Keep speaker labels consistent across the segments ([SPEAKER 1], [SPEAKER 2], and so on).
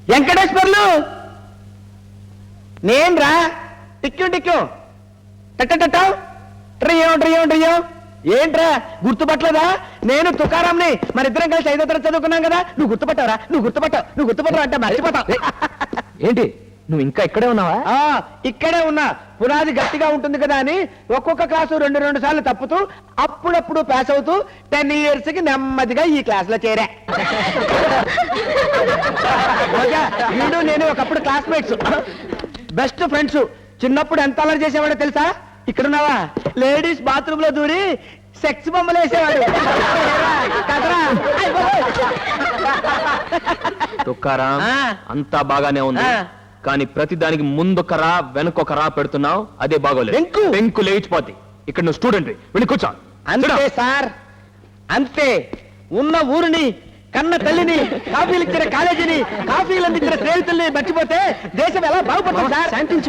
[SPEAKER 1] వెంకటేశ్వర్లు నేను రా. టిక్యూ టిక్యూ టట్ట ట్రియో ట్రియో ట్రియో. ఏంట్రా గుర్తుపట్టలేదా? నేను తుకారాంని. మరిద్దరం కలిసి 5వ తరగతి చదువుకున్నాం కదా. నువ్వు గుర్తుపట్టావరా? నువ్వు గుర్తుపట్టవు అంటే మర్చిపోతావు.
[SPEAKER 2] ఏంటి నువ్వు ఇంకా ఇక్కడే ఉన్నావా?
[SPEAKER 1] ఇక్కడే ఉన్నా. పునాది గట్టిగా ఉంటుంది కదా అని ఒక్కొక్క క్లాసు 2 సార్లు తప్పుతూ అప్పుడప్పుడు పాస్ అవుతూ 10 years కి నెమ్మదిగా ఈ క్లాస్ లో చేరా. వీడు నేను ఒకప్పుడు క్లాస్మేట్స్, బెస్ట్ ఫ్రెండ్స్. చిన్నప్పుడు ఎంత అల్లరి చేసేవాడో తెలుసా? ఇక్కడున్నావా? లేడీస్ బాత్రూమ్ లో దూరి సెక్స్ బొమ్మలు వేసేవాడు.
[SPEAKER 2] తుక్కారాం అంతా బాగానే ఉంది, కానీ ప్రతి దానికి ముందొకరా వెనకొకరా పెడుతున్నావు. అదే బాగోలేదు. పెంకు లేచిపోద్ది. ఇక్కడ నువ్వు స్టూడెంట్ వెళ్ళి కూర్చో.
[SPEAKER 1] అంతే సార్, అంతే. ఉన్న ఊరిని, కన్న తల్లిని, కాఫీలు ఇచ్చిన కాలేజీని, కాఫీలు అందించిన స్నేహితుల్ని మర్చిపోతే దేశం ఎలా బాగుపడుతుంది సార్? శాంతించు.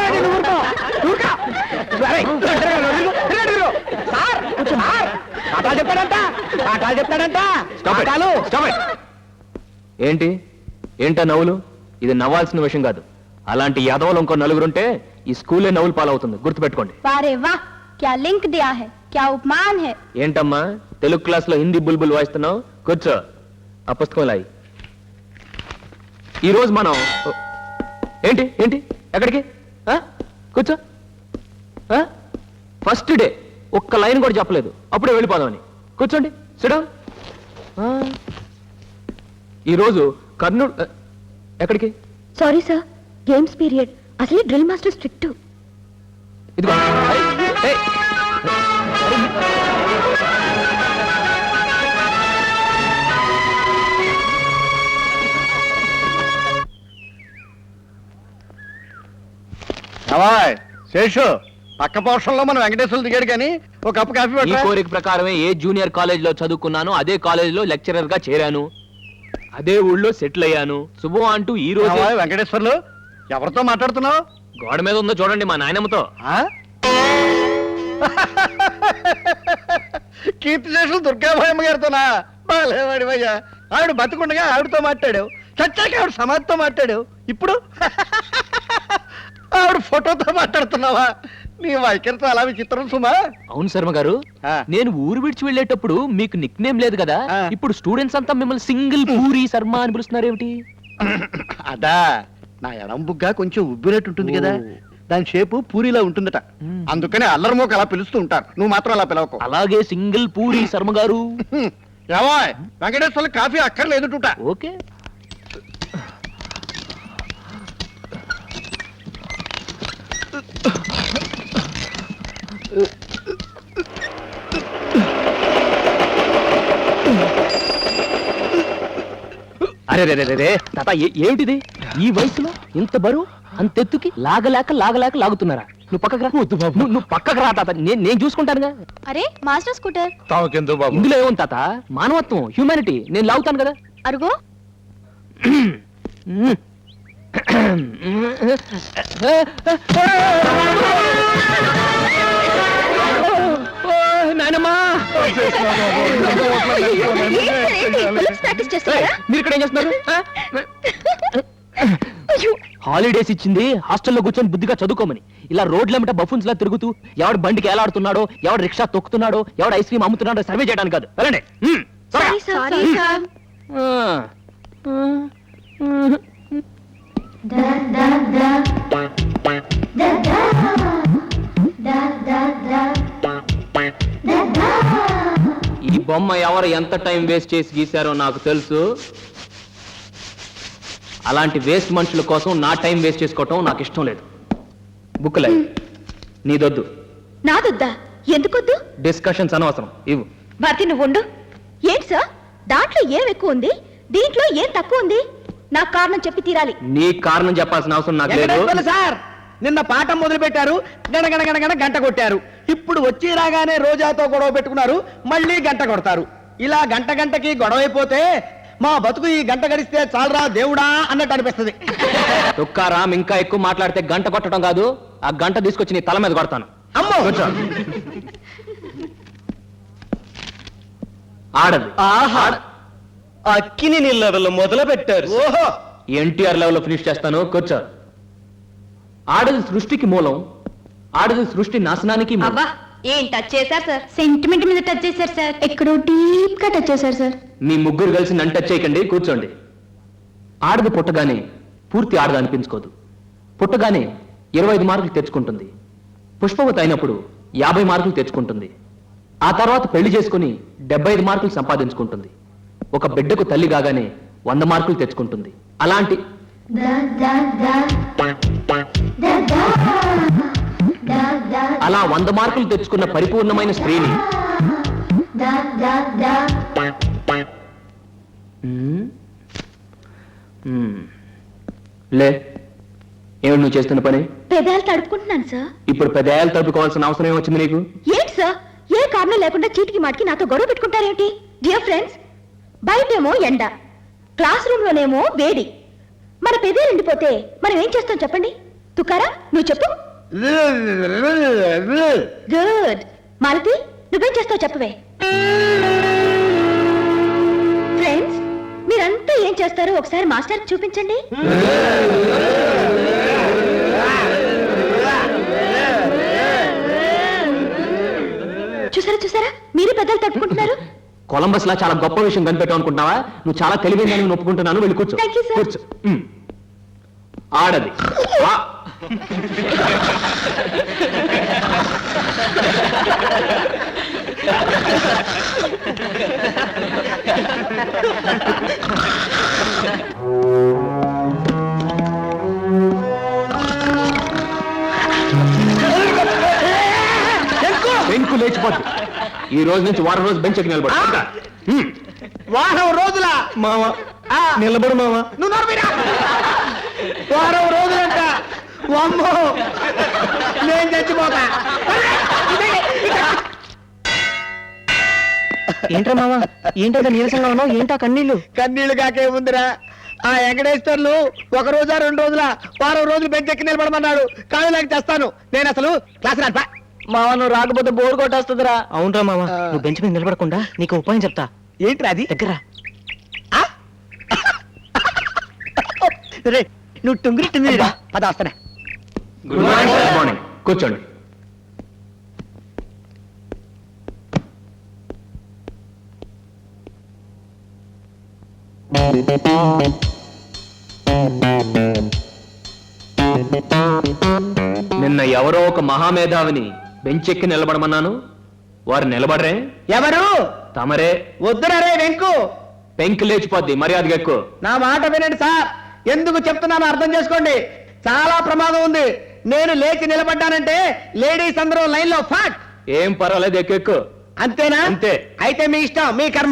[SPEAKER 2] ఏంటి ఏంటా నవ్వులు? ఇది నవ్వాల్సిన విషయం కాదు. అలాంటి యాదవులు ఇంకో నలుగురుంటే ఈ స్కూలే నవ్వులు పాలవుతుంది. గుర్తుపెట్టుకోండి. ఏంటమ్మా తెలుగు క్లాస్ లో హిందీ బుల్బుల్ వాయిస్తున్నావు? కూర్చో. ఆ పుస్తకం లాయి. ఈరోజు మనం ఏంటి ఏంటి ఎక్కడికి? కూర్చో. ఫస్ట్ డే ఒక్క లైన్ కూడా చెప్పలేదు, అప్పుడే వెళ్ళిపోదామని. కూర్చోండి. సిడౌన్. ఈరోజు కర్నూలు ఎక్కడికి?
[SPEAKER 3] Sorry sir, games period. అసలే డ్రిల్ మాస్టర్ స్ట్రిక్ట్.
[SPEAKER 2] ఇదిగో.
[SPEAKER 1] శేషు, పక్క పోర్షన్లో మన వెంకటేశ్వరులు దిగాడు కానీ ఒక కప్పు కాఫీ
[SPEAKER 2] ఈ కోరిక ప్రకారమే ఏ జూనియర్ కాలేజ్ లో చదువుకున్నాను, అదే కాలేజ్ లో లెక్చరర్ గా చేరాను, అదే ఊళ్ళో సెటిల్ అయ్యాను. శుభం అంటూ ఈ రోజు.
[SPEAKER 1] వెంకటేశ్వర్లు, ఎవరితో మాట్లాడుతున్నావు?
[SPEAKER 2] గోడ మీద ఉందో చూడండి, మా నాయనమ్మతో.
[SPEAKER 1] కీర్తిశేషులు దుర్గాభాయమ్మ గారితోనా? బాలేవాడివయ్యా. ఆవిడ బతుకుండగా ఆవిడతో మాట్లాడావు, చచ్చాక ఆవిడ సమాధితో మాట్లాడావు, ఇప్పుడు ఆవిడ ఫోటోతో మాట్లాడుతున్నావా? నీ వైఖరితో అలా విచిత్రం సుమా.
[SPEAKER 2] అవును శర్మ గారు, నేను ఊరు విడిచి వెళ్ళేటప్పుడు మీకు నిక్ నేమ్ లేదు కదా, ఇప్పుడు స్టూడెంట్స్ అంతా మిమ్మల్ని సింగిల్ పూరి శర్మ అని పిలుస్తున్నారు ఏమిటి?
[SPEAKER 1] అదా, నా ఎడం బుగ్గ కొంచెం ఉబ్బినట్టుంటుంది కదా, దాని షేపు పూరిలా ఉంటుందట, అందుకని అల్లరిమోక అలా పిలుస్తూ ఉంటారు. నువ్వు మాత్రం అలా పిలవకు.
[SPEAKER 2] అలాగే సింగిల్ పూరి శర్మ గారు.
[SPEAKER 1] ఏవో వెంకటేశ్వర్లు కాఫీ అక్కర్లేదుట.
[SPEAKER 2] ఓకే. అరే రే రే రే తాత, ఏమిటిది? ఈ వయసులో ఇంత బరువు అంతెత్తుకి లాగలేక లాగుతున్నారా? నువ్వు పక్కకు రా. నువ్వు పక్కకు రా తాత, నేను చూసుకుంటానుగా.
[SPEAKER 3] అరే మాస్టర్ స్కూటర్.
[SPEAKER 2] ఇందులో ఏముంది తాత? మానవత్వం, హ్యూమానిటీ. నేను లాగుతాను కదా.
[SPEAKER 3] అరుగో.
[SPEAKER 2] మీరు ఇక్కడ ఏం చేస్తున్నారు? హాలిడేస్ ఇచ్చింది హాస్టల్లో కూర్చొని బుద్ధిగా చదువుకోమని. ఇలా రోడ్లమిట బఫున్స్ లా తిరుగుతూ ఎవడు బండికి ఏలాడుతున్నాడో, ఎవడు రిక్షా తొక్కుతున్నాడో, ఎవడు ఐస్ క్రీమ్ అమ్ముతున్నాడో సర్వే చేయడానికి కాదు. వెళ్ళండి. ఈ బొమ్మ ఎవరు ఎంత టైం వేస్ట్ చేసి గీశారో నాకు తెలుసు. అలాంటి వేస్ట్ మనుషుల కోసం నా టైం వేస్ట్ చేసుకోవటం నాకు ఇష్టం లేదు. బుక్లే నీదొద్దు.
[SPEAKER 3] నాదొద్దా? ఎందుకొద్దు?
[SPEAKER 2] డిస్కషన్స్ అనవసరం. ఇవ్వు.
[SPEAKER 3] భారతి, నువ్వు ఉండు. ఏంటి సార్, దాంట్లో ఏం ఎక్కువ ఉంది, దీంట్లో ఏం తక్కువ ఉంది? నాకు కారణం చెప్పి తీరాలి.
[SPEAKER 2] నీ కారణం చెప్పాల్సిన అవసరం నాకు లేదు.
[SPEAKER 1] సార్, నిన్న పాఠం మొదలు పెట్టారు, గణగణ గంట కొట్టారు. ఇప్పుడు వచ్చి రాగానే రోజాతో గొడవ పెట్టుకున్నారు, మళ్ళీ గంట కొడతారు. ఇలా గంటకి గొడవ అయిపోతే మా బతుకు ఈ గంట గడిస్తే చాలరా దేవుడా అన్నట్టు అనిపిస్తుంది.
[SPEAKER 2] తుక్కారాం, ఇంకా ఎక్కువ మాట్లాడితే గంట కొట్టడం కాదు, ఆ గంట తీసుకొచ్చి నీ తల మీద కొడతాను.
[SPEAKER 1] అమ్మో,
[SPEAKER 2] ఆడది.
[SPEAKER 1] అక్కిని నిల్లవలు మొదలు పెట్టారు. ఓహో,
[SPEAKER 2] ఎన్టీఆర్ లెవెల్లో ఫినిష్ చేస్తాను, కూర్చో. ఆడది సృష్టికి మూలం, ఆడది సృష్టి నాశనానికి మూలం.
[SPEAKER 3] అబ్బా ఏం టచ్ చేశారు సార్, సెంటిమెంట్ మీద టచ్ చేశారు సార్, ఎక్కడో డీప్ గా టచ్ చేశారు సార్.
[SPEAKER 2] మీ ముగ్గురు కలిసి నన్ను టచ్ చేయకండి, కూర్చోండి. ఆడది పుట్టగానే పూర్తి ఆడది అనిపించుకోదు. పుట్టగానే 25 మార్కులు తెచ్చుకుంటుంది. పుష్పవతి అయినప్పుడు 50 మార్కులు తెచ్చుకుంటుంది. ఆ తర్వాత పెళ్లి చేసుకుని 75 మార్కులు సంపాదించుకుంటుంది. ఒక బిడ్డకు తల్లి కాగానే 100 మార్కులు తెచ్చుకుంటుంది. అలాంటి అలా 100 మార్కులు తెచ్చుకున్న పరిపూర్ణమైన స్త్రీని లే, ఏమిటి నువ్వు చేస్తున్న పని?
[SPEAKER 3] పెదాలు తడుపుకుంటున్నాను సార్.
[SPEAKER 2] ఇప్పుడు పెదాయాలు తడుపుకోవాల్సిన అవసరం ఏమొచ్చింది నీకు?
[SPEAKER 3] ఏంటి సార్, ఏ కారణం లేకుండా చీటికి మాటికి నాతో గొడవ పెట్టుకుంటారేంటి? డియర్ ఫ్రెండ్స్, బయటేమో ఎండ, క్లాస్ రూమ్ లోనేమో వేడి. మన పెదాలు ఎండిపోతే మనం ఏం చేస్తాం చెప్పండి? తుకారా నువ్వు చెప్పు. గుడ్. మాలతి నువ్వేం చేస్తావు చెప్పవే. ఫ్రెండ్స్, మీరంతా ఏం చేస్తారో ఒకసారి మాస్టర్ చూపించండి. చూసారా చూసారా, మీరే పెద్దలు తట్టుకుంటున్నారు.
[SPEAKER 2] కొలంబస్ లా చాలా గొప్ప విషయం కనిపెట్టావు అనుకుంటున్నావా? నువ్వు చాలా తెలివైందని నేను ఒప్పుకుంటున్నాను. వెళ్ళి కూర్చో.
[SPEAKER 3] Thank you, sir.
[SPEAKER 2] కూర్చో. ఆడది పెంకు లేచిపోద్ది. ఈ రోజు నుంచి వారం రోజు బెంచ్ ఎక్కి నిలబడు.
[SPEAKER 1] వారం రోజుల
[SPEAKER 2] మావా నిలబడు మావా.
[SPEAKER 1] నువ్వు నోర్మీరా. వారం రోజులంట. అమ్మో, నేను చచ్చిపోతా.
[SPEAKER 2] ఏంట్రా మావా, ఏంటో నీరసంగా ఉన్నావు? ఏంటా కన్నీళ్ళు?
[SPEAKER 1] కన్నీళ్లు కాకేముందిరా, ఆ వెంకటేశ్వర్లు 1 రోజా 2 రోజుల వారం రోజులు బెంచ్ ఎక్కి నిలబడమన్నాడు. కాళ్ళు లేక చేస్తాను. నేను అసలు క్లాస్ రాపా.
[SPEAKER 2] మావా నువ్వు రాకపోతే బోర్డు కొట్టేస్తుందిరా. అవునరా మావా, నువ్వు బెంచ్ మీద నిలబడకుండా నీకు ఉపాయం చెప్తా.
[SPEAKER 1] ఏంట్రా అది?
[SPEAKER 2] దగ్గర
[SPEAKER 1] రే, నువ్వు టుంగిరి పద వస్తానే.
[SPEAKER 2] Good morning. కూర్చోండి. నిన్న ఎవరో ఒక మహామేధావిని బెంచ్ ఎక్కి నిలబడమన్నాను. వారు నిలబడరే.
[SPEAKER 1] ఎవరు?
[SPEAKER 2] తమరే.
[SPEAKER 1] వద్దురా రే వెంకు,
[SPEAKER 2] పెంకి లేచిపోద్ది. మర్యాదగా ఎక్కువ.
[SPEAKER 1] నా మాట వినండి సార్. ఎందుకు చెప్తున్నానో అర్థం చేసుకోండి. చాలా ప్రమాదం ఉంది. నేను లేచి నిలబడ్డానంటే లేడీస్ అందరూ లైన్ లో ఫాట్.
[SPEAKER 2] ఏం పర్వాలేదు, ఎక్కువ.
[SPEAKER 1] అంతేనా?
[SPEAKER 2] అంతే.
[SPEAKER 1] అయితే మీ ఇష్టం, మీ కర్మ.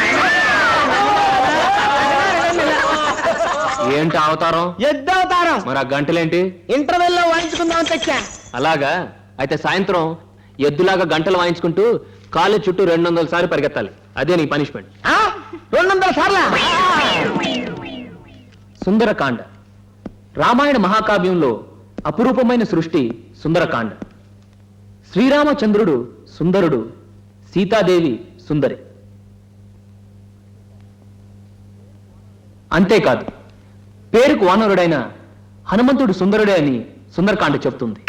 [SPEAKER 2] ఏంటి అవతారం?
[SPEAKER 1] ఎద్దవతారం.
[SPEAKER 2] మరి ఆ గంటలేంటి?
[SPEAKER 1] ఇంటర్వెల్ లో వాయించుకుందాం తెచ్చా.
[SPEAKER 2] అలాగా? అయితే సాయంత్రం ఎద్దులాగా గంటలు వాయించుకుంటూ కాలేజ్ చుట్టూ 200 సార్లు పరిగెత్తాలి. అదే నీ పనిష్మెంట్.
[SPEAKER 1] 200 సార్లా?
[SPEAKER 2] సుందరకాండ రామాయణ మహాకావ్యంలో అపురూపమైన సృష్టి సుందరకాండ. శ్రీరామచంద్రుడు సుందరుడు, సీతాదేవి సుందరి. అంతేకాదు, పేరుకు వానరుడైన హనుమంతుడు సుందరుడే అని సుందరకాండ చెప్తుంది.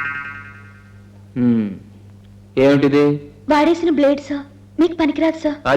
[SPEAKER 2] ఏమిటిది?
[SPEAKER 3] వాడేసిన బ్లేడ్ సార్, మీకు పనికిరాదు సార్.